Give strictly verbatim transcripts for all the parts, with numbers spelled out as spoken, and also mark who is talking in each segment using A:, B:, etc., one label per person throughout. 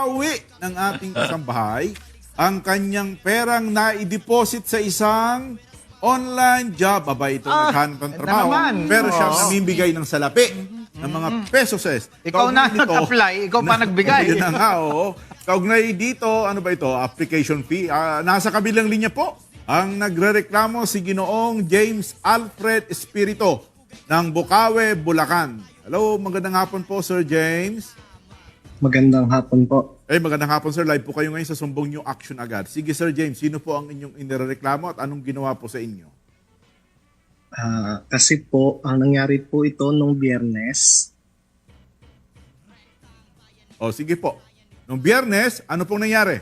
A: pauwi ng ating kasambahay ang kanyang perang na-deposit sa isang online job. Aba, ito
B: Ah,
A: naghanap ng
B: ito
A: trabaho.
B: naman.
A: Pero siya
B: Oo.
A: namimigay ng salapi ng mga pesos.
B: Ikaw na nag-apply, ikaw pa nagbigay.
A: Yun na nga, oo. Kaugnay dito, ano ba ito? Application fee. Ah, nasa kabilang linya po, ang nagrereklamo si Ginoong James Alfred Espirito ng Bukawe, Bulacan. Hello, magandang hapon po, Sir James.
C: Magandang hapon po.
A: Eh, magandang hapon, sir. Live po kayo ngayon sa Sumbong New Action agad. Sige, Sir James, sino po ang inyong inireklamo at anong ginawa po sa inyo?
C: Ah, kasi po, ang nangyari po ito nung Biyernes,
A: O, sige po. Noong Biyernes, ano pong nangyari?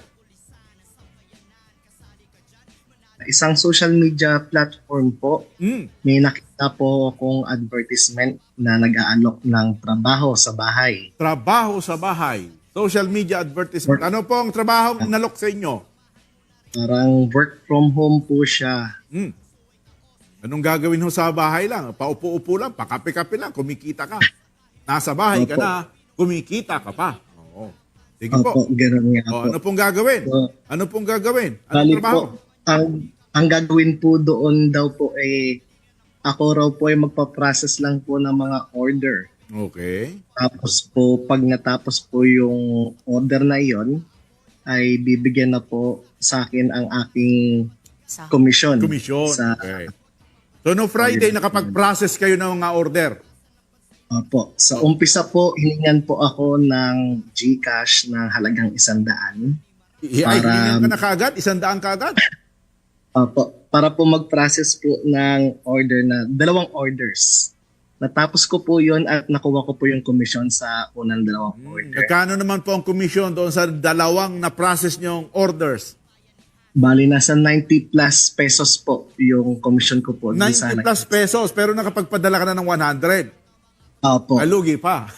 C: isang social media platform po,
A: Hmm.
C: may nakita po akong advertisement na nag-aalok ng trabaho sa bahay.
A: Trabaho sa bahay. Social media advertisement. Ano po ang trabaho nalok sa inyo?
C: Parang work from home po siya.
A: Hmm. Anong gagawin ho sa bahay lang? Paupo-upo lang, pakape-kape lang, kumikita ka. Nasa bahay ka
C: Opo.
A: na, kumikita ka pa. Oo. Sige po.
C: Opo, gano'n nga
A: O,
C: po.
A: ano pong gagawin?
C: So,
A: Ano pong gagawin? Anong
C: Bali
A: trabaho?
C: po, ang, ang gagawin po doon daw po ay ako raw po ay magpa-process lang po ng mga order.
A: Okay.
C: Tapos po, pag natapos po yung order na yon, ay bibigyan na po sa akin ang aking
D: Sa
C: komisyon.
A: Komisyon.
C: Sa,
A: Okay. So, no Friday, nakapag-process kayo ng mga order.
C: Opo. Sa umpisa po, hiningan po ako ng GCash ng halagang isang daan.
A: I- Ay,
C: Para-
A: hiningan ka na kaagad? Isang daan kaagad?
C: Opo. Para po mag-process po ng order na, dalawang orders. Natapos ko po yon at nakuha ko po yung komisyon sa unang dalawang order.
A: Nagkano naman po ang komisyon doon sa dalawang na-process nyong orders?
C: Bali, nasa ninety plus pesos po yung komisyon ko po. Doon sa
A: ninety plus pesos, pero nakapagpadala ka na ng one hundred.
C: Opo.
A: Alugi pa.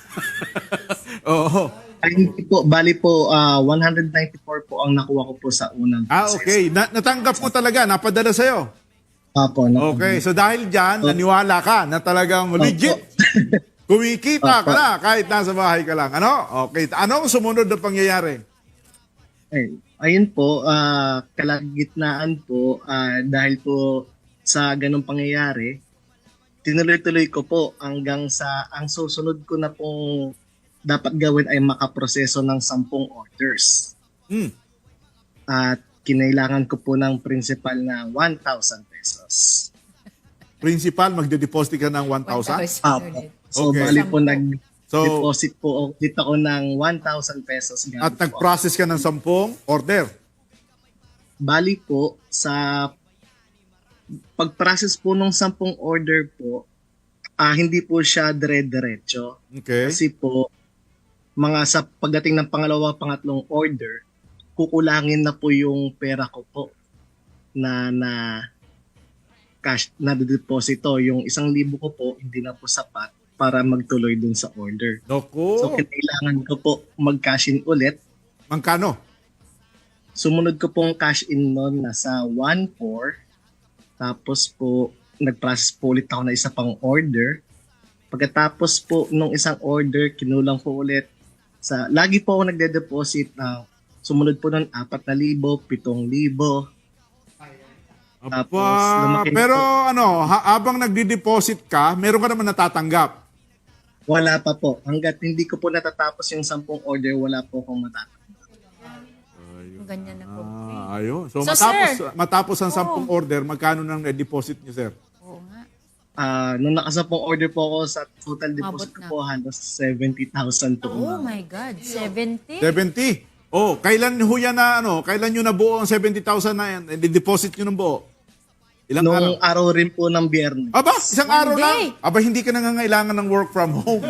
A: Oo.
C: Ay, hindi po. Bali po, ah, one hundred ninety-four po ang nakuha ko po sa unang
A: Ah,
C: process.
A: okay. Na- natanggap mo talaga, napadala sa'yo.
C: Opo. na-
A: Okay, so dahil dyan, naniwala ka na talagang legit. Kumikita ka
C: Opo.
A: na kahit nasa bahay ka lang. Ano? Okay. Anong sumunod na pangyayari?
C: Ay, ayun po, ah, kalagitnaan po, ah, dahil po sa ganong pangyayari, tinuloy-tuloy ko po hanggang sa ang susunod ko na pong dapat gawin ay makaproseso ng sampung orders.
A: Hmm.
C: At kinailangan ko po ng principal na one thousand pesos.
A: Principal, magde-deposit ka ng one thousand?
C: Apo. So,
A: Okay.
C: bali po nag
A: So,
C: deposit po dito ako ng one thousand pesos. gamit
A: at
C: po.
A: nag-process ka ng sampung order.
C: Bali po, sa pag-process po ng sampung order po, ah hindi po siya dire-diretso.
A: Okay.
C: Kasi po, mga sa pagdating ng pangalawa, pangatlong order, kukulangin na po yung pera ko po na na cash na deposito. Yung isang libo ko po, hindi na po sapat para magtuloy dun sa order.
A: Naku.
C: So, kailangan ko po mag-cash in ulit.
A: Magkano?
C: Sumunod ko pong cash in noon nasa one four. Tapos po, nag-process po ulit ako na isa pang order. Pagkatapos po nung isang order, kinulang ko ulit. Sa, lagi po ako nagde-deposit na sumunod po nun apat na libo, pitong libo. Tapos,
A: Aba,
C: lumaki na
A: pero
C: po.
A: ano, ha- habang nagdi-deposit ka, meron ka naman natatanggap.
C: Wala pa po. Hanggat hindi ko po natatapos yung sampung order, wala po akong matatanggap.
D: ganyan na po.
A: Ah, ayun. So,
D: So,
A: matapos,
D: sir.
A: matapos ang sampung order, magkano nang deposit niyo, sir?
D: Oo nga.
C: Ah, nung nakasampung order po ako sa total deposit
D: Mabot
C: ko
D: na.
C: po, halos seventy thousand po.
D: Oh
C: umabot.
D: my God, seventy?
A: seventy. Oh, kailan ho yan na, ano, kailan nyo nabuo ang seventy thousand na yan? I-deposit nyo ng buo? Ilang araw?
C: Nung araw rin po ng biyernes.
A: Aba, isang araw
D: One day.
A: lang. Aba, hindi ka nangangailangan ng work from home.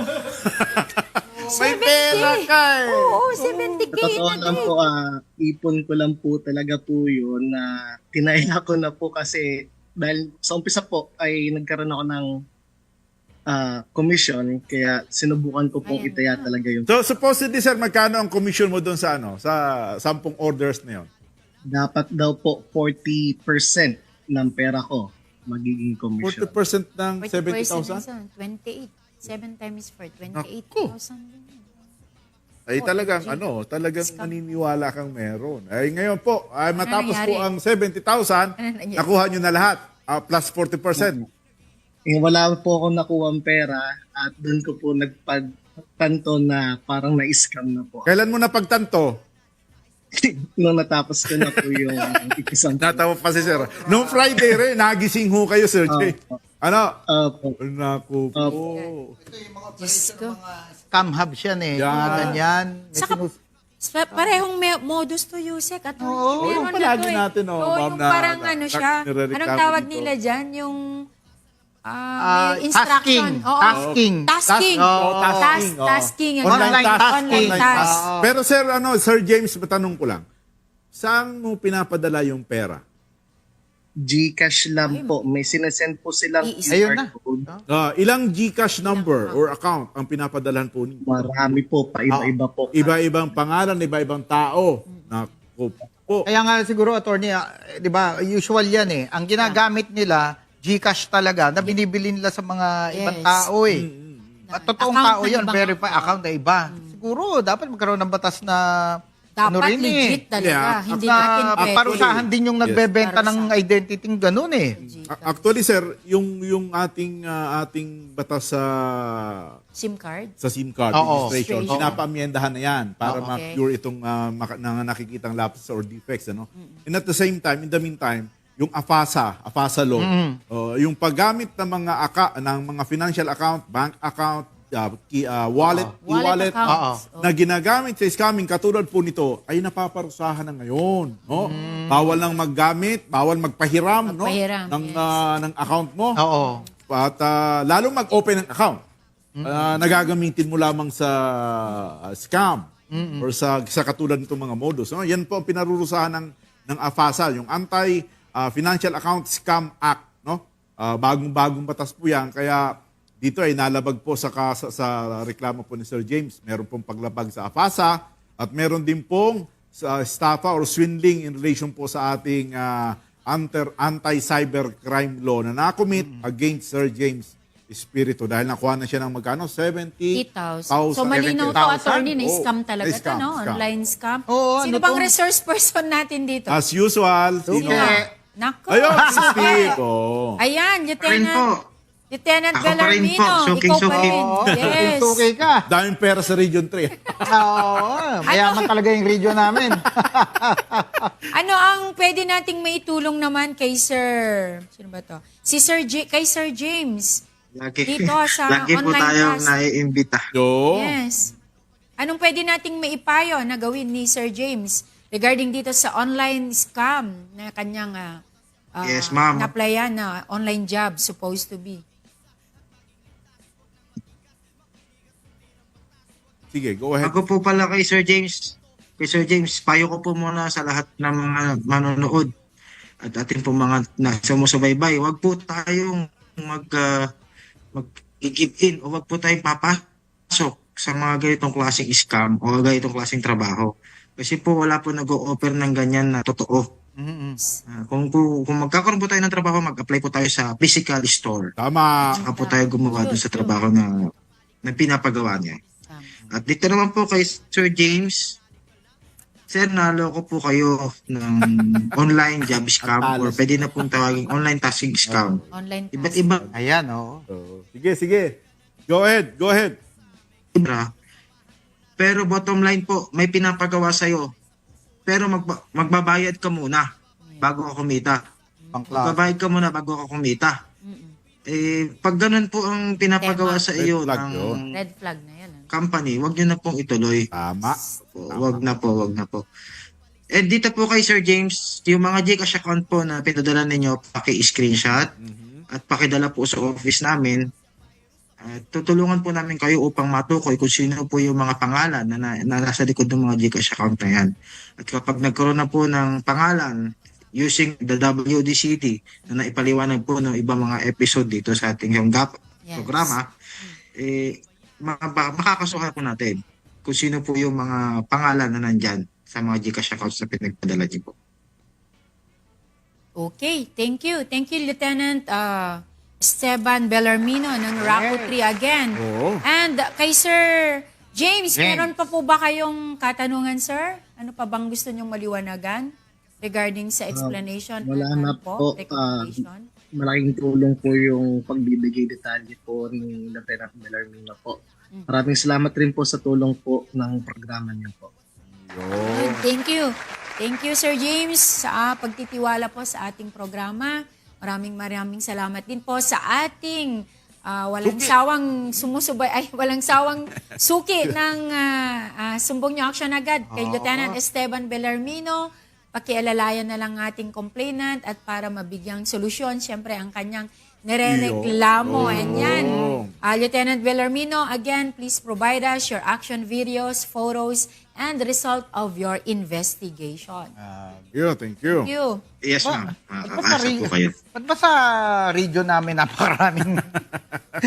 A: May pera ka eh.
D: Oo, seventy K
C: Sa totoo
D: in a
C: lang
D: day.
C: po, ah, ipon ko lang po talaga po yun na tinaya ko na po kasi dahil sa umpisa po ay nagkaroon ako ng ah, commission kaya sinubukan ko pong
D: Ayan.
C: itaya talaga yung
A: So, supposedly, sir, magkano ang commission mo doon sa, ano, sa sampung orders na yun?
C: dapat daw po forty percent ng pera ko magiging
A: forty
C: commission.
A: percent ng
D: forty
A: seventy
D: percent
A: thousand?
D: na sa twenty-eight. seven times four, twenty-eight thousand.
A: ay talagang ano, talagang maniniwala kang meron. Ay ngayon po, ay matapos po
D: nangyari?
A: ang seventy thousand,
D: Ano nangyari?
A: nakuha nyo na lahat. Ah, plus forty percent.
C: Eh, wala po ako nakuha pera at doon ko po nagpagtanto na parang na-scam na po.
A: Kailan mo napagtanto?
C: Nung natapos ko na po yung isang
A: Natawa pa si Sir. Noong Friday rin, nagising ho kayo, Sir Jay. Ano?
C: uh, po.
A: Naku po.
D: Diyos ko.
B: Scam hub siya eh.
A: Yan.
B: Mga ganyan. May
D: Saka,
B: sinus-
D: sa- parehong me- modus to use eh. At
B: Oo,
A: yung
D: meron na
A: palagi
D: to eh.
A: natin, oh,
D: Oo,
A: ma'am,
D: yung
A: na-
D: parang
A: na-
D: ano
A: na-
D: siya.
A: nirereklamo
D: Anong tawag
A: dito.
D: nila dyan? Yung ah,
B: Ah,
D: may instruction.
B: tasking.
D: Oo.
B: Tasking.
D: Tasking.
A: Tas- oh,
D: Tas-
A: tasking, oh.
D: tasking. yung
B: Online
D: tawag.
B: tasking.
D: Online
A: Online
D: task.
A: task.
B: Oo.
A: Pero Sir, ano, Sir James, matanong ko lang. Saan mo pinapadala yung pera?
C: Gcash lang po. May sinesend po silang
D: Iisa.
B: Ayun na.
C: code.
A: Ah, ilang Gcash number or account ang pinapadalahan po ninyo?
C: Marami po, paiba-iba po.
A: Iba-ibang pangalan, iba-ibang tao. Naku po.
B: Kaya nga siguro, attorney, ah, eh, di ba, usual yan eh. Ang ginagamit nila, Gcash talaga, na binibili nila sa mga ibang
D: Yes.
B: tao eh. At totoong
D: Account
B: tao
D: ng
B: yan,
D: ibang
B: verify
D: tao.
B: account na iba. Siguro, dapat magkaroon ng batas na ano
D: Dapat
B: rin
D: legit
B: eh.
D: talaga.
A: Yeah.
D: Hindi
B: Na
D: natin pwede.
B: parusahan din yung nagbebenta ng
D: Parusahan.
B: identity ng ganun eh.
A: A- Actually, Sir, yung yung ating ah, ating batas sa
D: SIM card.
A: sa SIM card
B: Oo.
A: registration,
D: Oo.
A: pinapamyendahan na yan para
D: Oo.
A: ma-cure itong ah, maka- na nakikitang lapses or defects. Ano? And at the same time, in the meantime, yung AFASA, AFASA law, oh, yung paggamit ng mga aka, ng mga financial account, bank account, ah, ki- ah, wallet, e-wallet,
D: Wallet accounts.
A: na ginagamit sa scamming katulad po nito ay napaparusahan na ngayon, no? Bawal nang maggamit, bawal magpahiram,
D: Magpahiram,
A: no? ng
D: yes.
A: ah, ng account mo.
B: Oo.
A: At ah, lalong mag-open ng account. Ah, nagagamitin mo lamang sa ah, scam or sa sa katulad nitong mga modus. No? Yan po ang pinarurusahan ng ng AFASA, yung Anti ah, Financial Account Scam Act, no? Ah, bagong-bagong batas po 'yan kaya dito ay nalabag po sa, ka- sa sa reklamo po ni Sir James. Meron pong paglabag sa AFASA at meron din pong sa estafa or swindling in relation po sa ating ah, anti- anti-cybercrime law na nakomit against Sir James Espiritu dahil nakuha na siya ng magkano? seventy
D: eight thousand. So malinaw to, attorney, na scam talaga to, no? Online scam.
B: Oo,
D: Sino
B: ano
D: bang
B: to?
D: resource person natin dito?
A: As usual, sino?
B: Okay.
D: Nako.
A: Ayun, si Steve. Oh.
D: Ayan,
E: Rin
D: Lieutenant.
E: po.
D: Lieutenant
E: Ako pa rin
D: Bellarmino.
E: po, suking
D: Ikaw pa
E: suki.
D: rin. Yes.
B: Okay ka.
A: Daming pera sa Region three.
B: Oo. Mayaman talaga yung region namin.
D: Ano ang pwede nating maitulong naman kay Sir... Sino ba to? Si Sir J- kay Sir James.
E: Lagi,
D: Dito sa
E: lagi po
D: online
E: tayong
D: class.
E: naiimbita.
A: So,
D: Yes. Anong pwede nating maipayo na gawin ni Sir James regarding dito sa online scam na kanyang ah, ah,
E: Yes, ma'am.
D: na-applyan na online job supposed to be?
A: sige, go ahead.
E: Ako po pala kay Sir James. Kay Sir James, payo ko po muna sa lahat ng mga manonood at ating po mga na sumusubaybay. Huwag po tayong mag, uh, mag-give in o huwag po tayong papasok sa mga ganitong klaseng scam o ganitong klaseng trabaho. Kasi po wala po nag-o-offer ng ganyan na totoo.
B: Mhm.
E: Ah, kung, kung, kung magkakaroon po tayo ng trabaho, mag-apply po tayo sa physical store.
A: Tama.
E: Saka po tayo gumawa doon sa trabaho na, na pinapagawa niya. At dito naman po kay Sir James, Sir, naloko po kayo ng online job scam or pwede na pong tawagin online tasking scam.
D: Online
E: Iba't
D: task.
E: iba.
B: Ayan, oo.
A: So, sige, sige. Go ahead, go ahead.
E: Ibra. Pero bottom line po, may pinapagawa sa'yo. Pero magba- magbabayad ka muna bago ka kumita.
B: Pangklas.
E: Magbabayad ka muna bago ka kumita. Eh, pag ganun po ang pinapagawa sa
A: Red
E: iyo
A: flag
E: ng
A: yun.
D: Red flag na yan. ah.
E: company, wag nyo na pong ituloy.
A: Tama.
E: Po, wag na po, wag na po. And dito po kay Sir James, yung mga Gcash account po na pinadala ninyo, paki-screenshot at pakidala po sa office namin. At tutulungan po namin kayo upang matukoy kung sino po yung mga pangalan na, na, na nasa likod ng mga Gcash account na yan. At kapag nagkaroon na po ng pangalan using the W D C T na naipaliwanag po ng ibang mga episode dito sa ating yung G A P
D: Yes.
E: programa, eh, maka- makakasuhan po natin kung sino po yung mga pangalan na nandyan sa mga Gcash accounts na pinagpadala niyo po.
D: Okay, thank you. Thank you, Lieutenant uh, Esteban Bellarmino ng Raco three again.
A: Oo.
D: And uh, kay Sir James,
B: James.
D: meron pa po ba kayong katanungan, sir? Ano pa bang gusto niyong maliwanagan regarding sa explanation?
C: wala
D: at
C: na
D: ano
C: po,
D: recommendation?
C: Malaking tulong po yung pagbibigay detalye po ni Lieutenant Bellarmino po. Maraming salamat rin po sa tulong po ng programa niyo po.
D: Good. Thank you. Thank you, Sir James, sa ah, pagtitiwala po sa ating programa. Maraming maraming salamat din po sa ating ah, walang sawang sumusubay, ay walang sawang suki ng ah, ah, sumbong niyo action agad kay Lieutenant Esteban Bellarmino. Pakialalayan na lang ating complainant at para mabigyang solusyon, siyempre ang kanyang nirereklamo. And yan. Uh, Lieutenant Bellarmino, again, please provide us your action videos, photos, and the result of your investigation.
A: Thank you, thank you.
D: Thank you.
E: Yes,
B: Ba-
E: ma'am.
B: ba't ba sa
E: Makakasa po
B: region,
E: kayo.
B: ba't ba sa region namin napakaraming